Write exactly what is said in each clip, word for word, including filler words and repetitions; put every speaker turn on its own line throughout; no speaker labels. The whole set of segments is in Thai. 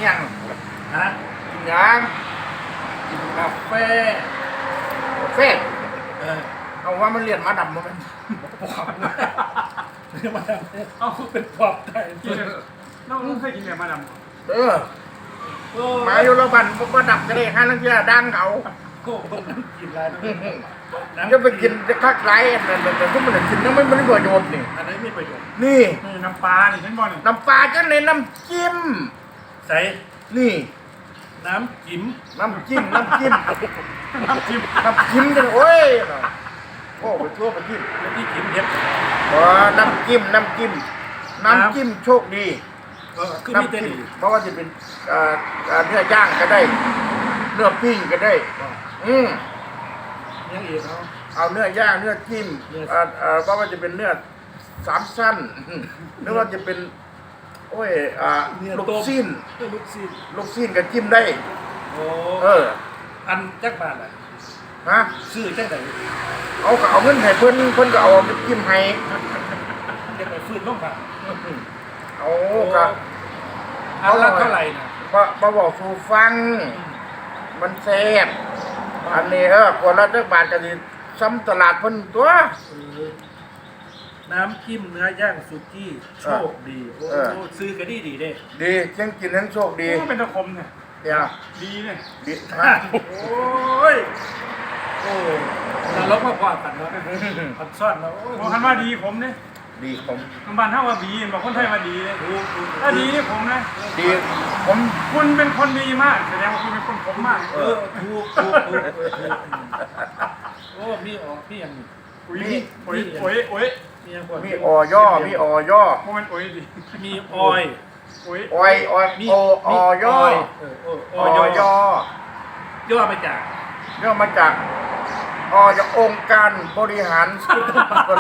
ยังฮะกินยังกินกาแฟกาแฟเออเอาว่ามันเรียนมาดำมันปอบเรียนมาดำเอาเป็นปอบได้จริงน้องเคยกินเรียนมาดำเออมาอยู่ระบันพวกมาดับก็ได้ห้านักเรียนดังเขาโอ้โหกินอะไรนั่นจะไปกินจะคักไรแต่แต่ทุกมันกินแล้วไม่ไม่ประโยชน์นี่อันนี้มีประโยชน์นี่น้ำปลานี่ฉันบอกนี่น้ำปลาจะในน้ำจิ้มใส่นี่น้ำจิ้มน้ำจิ้มน้ำจิ้มน้ำจิ้มน้ำจิ้มกันโอ้ยโอ้ไปทั่วไปจิ้มที่จิ้มเยอะอ๋อน้ำจิ้มน้ำจิ้มน้ำจิ้มโชคดีน้ำจิ้มเพราะว่าจะเป็นเนื้อย่างก็ได้เนื้อปิ้งก็ได้อืมยังอีกเอาเอาเนื้อย่างเนื้อจิ้มเอ่อเอ่อเพราะว่าจะเป็นเนื้อสามชั้นหรือว่าจะเป็นโอ้ยอ่าลูกชิ้นลูกชิ้นลูกชิ้นกับจิ้มได้โอ้เอออันจักบาทอ่ะฮะซื้อจักไหนเอาเอาเงินให้เพิ่นเพิ่นก็เอาไปจิ้มให้จะไปฟื้นน้องบาทเอาก็อันละเท่าไหร่นะมาบอกสู่ฟังมันแซ่บอันนี้เออคนละจักบาทก็สิซ้ำตลาดเพิ่นตัวน้ำจิ้มเนื้อย่างสุกี้โชคดีโอ้ซื้อก็ดีดีเด้ดีทั้งกินทั้งโชคดีเป็นตะคมเนี่ยเดี๋ยวดีเนี่ยดีมากโอ้ยโอ้แล้วเราก็พอกันแล้วผัดซ่อนแล้วโอ้คันว่าดีผมเนี่ยดีผมคำบ้านเท่าว่าดีบอกคนไทยว่าดีเลยถ้าดีนี่ผมนะดีผมคุณเป็นคนดีมากแสดงว่าคุณเป็นคนผมมากเออถูกถูกถูกโอ้มีอ๋อพี่ยังมีโอ้ยโอ้ยโอ้ยมีออย่อมีออย่อโมเมนต์โอ้ยดิมีออยโอ้ยออยออยมีออย่อออย่อย่อมาจากย่อมาจากอจากองค์การบริหารส่วนตำบล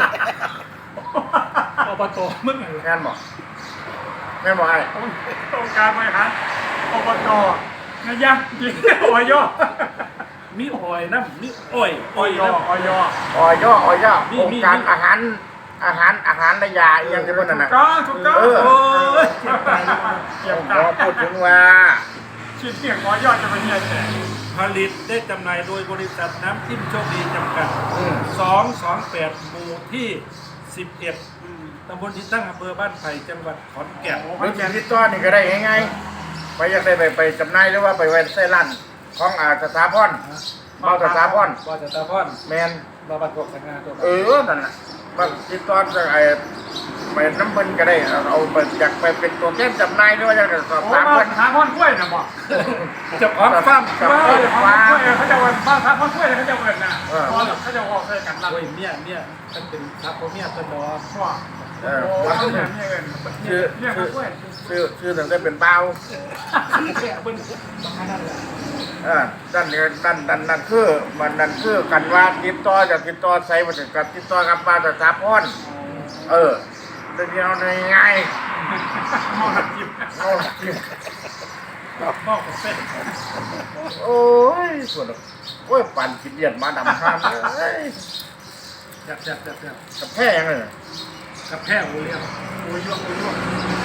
อบตมึงแม่นบอกแม่นบอกไอ้องค์การบริหารอบตนายยังยิงออย่อมีออยน้ำมีอ้อยอ้อยย่ออ้อยย่ออ้อยย่ออ้อยย่อองค์การอาหารอาหารอาหารระยะยังจะเป็นอะไรถูกต้องถูกต้องเออเกี่ยวกับพูดถึงว่าชิ้นเสียงอ้อยย่อจะเป็นยังไงผลิตได้จำหน่ายโดยบริษัทน้ำจิ้มโชคดีจำกัดสองสองแปดหมู่ที่สิบเอ็ดตำบลที่ตั้งอำเภอบ้านไผ่จังหวัดขอนแก่นหรือจะติดต่อนี่ก็ได้ง่ายๆไปอยากได้ไปไปจำหน่ายหรือว่าไปไว้ใส่ร้านของอาสถาพรเบาสถาพรเบาสถาพรแมนเบาบัตรกสังงานตัวเออนั่นแหละมาติดต่อจะไอ้ไปน้ำมันก็ได้เอาไปอยากไปเป็นตัวแทนจำหน่ายหรือว่าอยากจะสอบถามเพื่อนหาพ่อนกล้วยนะบอกจะพร้อมฟ้ามจะพร้อมฟ้ามเขาจะวันฟ้ามฟ้ามกล้วยเขาจะเปิดนะเขาจะบอกเลยกันรับโอ้ยเมียเมียมันเป็นทับเมียเป็นดอกว่าเออว่าชื่อชื่อชื่อตั้งแต่เป็นเบาอ่าด้านนี้ด้านด้านนั่นคือมันนั่นคือกันว่าติดต่อจากติดต่อใส่มาถึงกับติดต่อกับปลาตะสาพรเออเดี๋ยวในไงมอหลักจิ้มมอหลักจิ้มมอกับเส้นโอ้ยส่วนโอ้ยปั่นกินเดียนมาดำข้ามเลยจับจับจับจับกับแพ้ยังไงกับแพ้โอ้ยโอ้ยโอ้ย